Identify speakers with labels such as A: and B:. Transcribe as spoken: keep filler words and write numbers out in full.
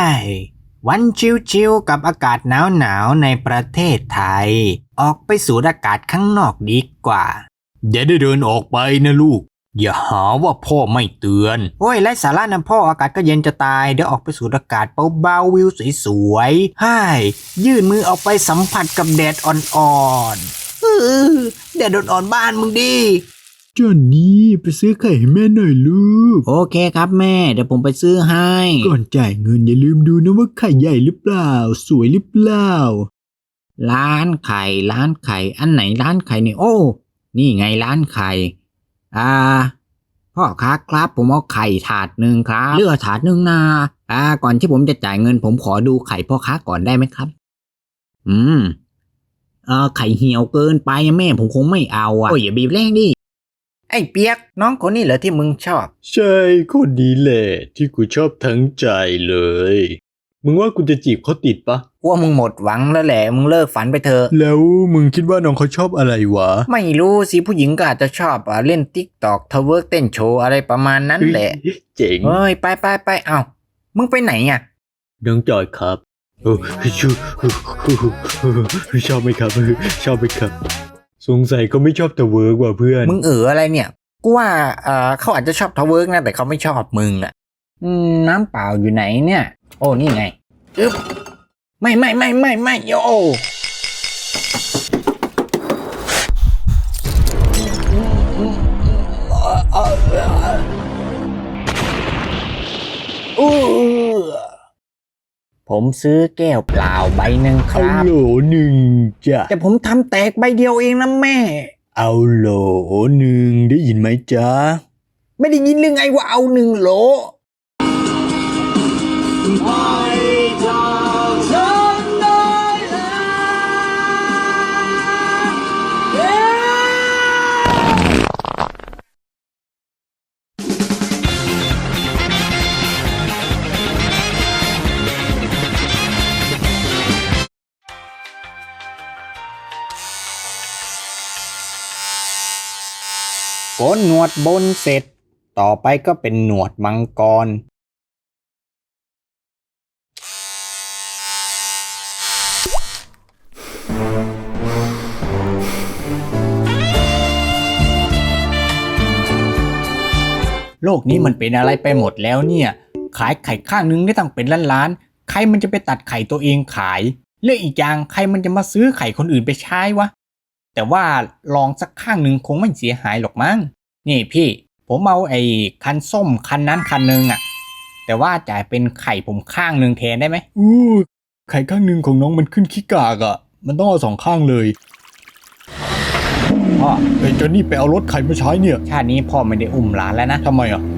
A: วันชิวๆกับอากาศหนาวๆในประเทศไทยออกไปสูดอากาศข้างนอกดีกว่าอย่าได้เดินออกไปนะลูกอย่าหาว่าพ่อไม่เตือนโอ้ยไร้สาระนะพ่ออากาศก็เย็นจะตายเดี๋ยวออกไปสูดอากาศเบาๆวิวสวยๆให้ยื่นมือออกไปสัมผัสกับแดดอ่อนๆเออแดดอ่อนๆบ้านมึงดิ
B: จอนนี่ไปซื้อไข่ให้แม่หน่อยลูก
A: โอเคครับแม่เดี๋ยวผมไปซื้อให้
B: ก่อนจ่ายเงินอย่าลืมดูนะว่าไข่ใหญ่หรือเปล่าสวยหรือเปล่า
A: ร้านไข่ร้านไข่อันไหนร้านไข่เนี่ยโอ้นี่ไงร้านไข่อ่าพ่อค้าครับผมเอาไข่ถาดหนึ่งครับเลือกถาดหนึ่งนะอ่าก่อนที่ผมจะจ่ายเงินผมขอดูไข่พ่อค้าก่อนได้ไหมครับอืมเออไข่เหี่ยวเกินไปแม่ผมคงไม่เอาอ่ะโอ้ยอย่าบีบแรงดิไอ้เปียกน้องคนนี้เหรอที่มึงชอบ
B: ใช่คนนี้แหละที่กูชอบทั้งใจเลยมึงว่ากูจะจีบเขาติดปะ
A: ว่ามึงหมดหวังแล้วแหละมึงเลิกฝันไปเถอะ
B: แล้วมึงคิดว่าน้องเขาชอบอะไรวะ
A: ไม่รู้สิผู้หญิงก็อาจจะชอบอ่ะเล่นติ๊กตอกทเวิร์กเต้นโชว์อะไรประมาณนั้นแหละ
B: เจ๋ง
A: เฮ้ยไปไปไปเอ้ามึงไปไหนอ่ะ
B: น้องจอยครับโอ้ชูชอบไหมครับชอบไหมครับสงสัยเขาไม่ชอบทเวิร์กว่ะเพื่อน
A: มึงเอออะไรเนี่ยกูว่าเออเขาอาจจะชอบทเวิร์กนะแต่เขาไม่ชอบมึงอ่ะอืมน้ำเปล่าอยู่ไหนเนี่ยโอ้นี่ไงอึ๊บไม่ไม่ไม่ไม่ไม่โยผมซื้อแก้วเปล่าใบหนึ่งครับ
B: เอาโหลหนึ่งจ้ะ
A: แต่ผมทำแตกใบเดียวเองนะแม่
B: เอาโหลหนึ่งได้ยินไหมจ๊ะ
A: ไม่ได้ยินเรื่องไงว่าเอาหนึ่งโหลโกนหนวดบนเสร็จต่อไปก็เป็นหนวดมังกรโลกนี้มันเป็นอะไรไปหมดแล้วเนี่ยขายไข่ข้างนึงได้ตั้งเป็นล้านล้านใครมันจะไปตัดไข่ตัวเองขายและอีกอย่างใครมันจะมาซื้อไข่คนอื่นไปใช้วะแต่ว่าลองสักข้างนึงคงไม่เสียหายหรอกมั้งนี่พี่ผมเอาไอ้คันส้มคันนั้นคันนึงอ่ะแต่ว่าจ่ายเป็นไข่ผมข้างนึงแทนได้ไหม
B: อู้ไข่ข้างนึงของน้องมันขึ้นขี้กากอ่ะมันต้องเอาสองข้างเลยพ่อไอ้เจ้านี่ไปเอารถไข่มาใช้เนี่ย
A: ชาตินี้พ่อไม่ได้อุ้มหลานแล้วนะ
B: ทำไมอ่ะ